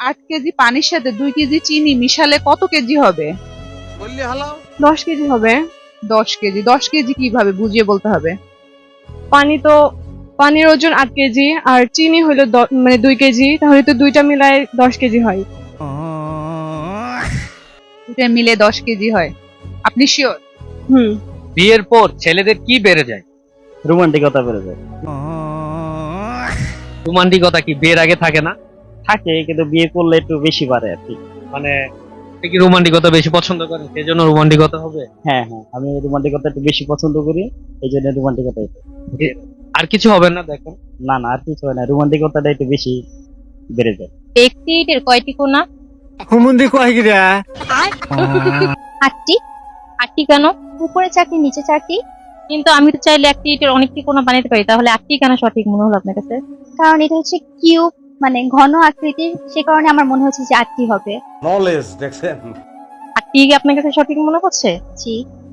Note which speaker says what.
Speaker 1: 8 KG পানির সাথে 2 KG চিনি মিশালে কত কেজি হবে?
Speaker 2: বললি হালাও
Speaker 3: 10 কেজি হবে।
Speaker 1: 10 কেজি। 10 কেজি কিভাবে বুঝিয়ে বলতে হবে?
Speaker 3: পানির ওজন 8 কেজি আর চিনি হলো মানে 2 কেজি, তাহলে তো দুইটা মিলায় 10 কেজি হয়।
Speaker 1: দুটো মিলে 10 কেজি হয়। আপনি শিওর?
Speaker 3: হুম।
Speaker 4: বিয়ের পর ছেলেদের কি বেড়ে যায়?
Speaker 5: রোমান্টিকতা বেড়ে যায়।
Speaker 4: রোমান্টিকতা কি বিয়ের আগে থাকে না?
Speaker 5: থাকে, কিন্তু বিয়ে করলে একটু বেশি বাড়ে আর কি।
Speaker 4: মানে আপনি কি রোমান্টিকতা বেশি পছন্দ করেন সেজন্য রোমান্টিকতা হবে?
Speaker 5: হ্যাঁ হ্যাঁ, আমি রোমান্টিকতা একটু বেশি পছন্দ করি, এই জন্য রোমান্টিকতা।
Speaker 4: আর কিছু হবে না দেখেন।
Speaker 5: না না, আর কিছু হয় না, রোমান্টিকতাটা একটু বেশি বেড়ে যায়।
Speaker 6: একটি ইটের কয়টি কোণা?
Speaker 2: হুমুন্দি কয় গিরা
Speaker 6: 8টি। 8টি কেন? উপরে 4টি নিচে 4টি। কিন্তু আমি তো চাইলে একটি ইটের অনেকটি কোণা বানাতে পারি, তাহলে 8টি কেন সঠিক মনে হলো আপনার কাছে?
Speaker 7: কারণ এটা হচ্ছে কিউব, মানে ঘন আকৃতির, সে কারণে আমার মনে হচ্ছে যে 8টি হবে।
Speaker 2: নলেজ দেখছেন।
Speaker 6: 8টি আপনার কাছে সঠিক মনে হচ্ছে?
Speaker 7: জি।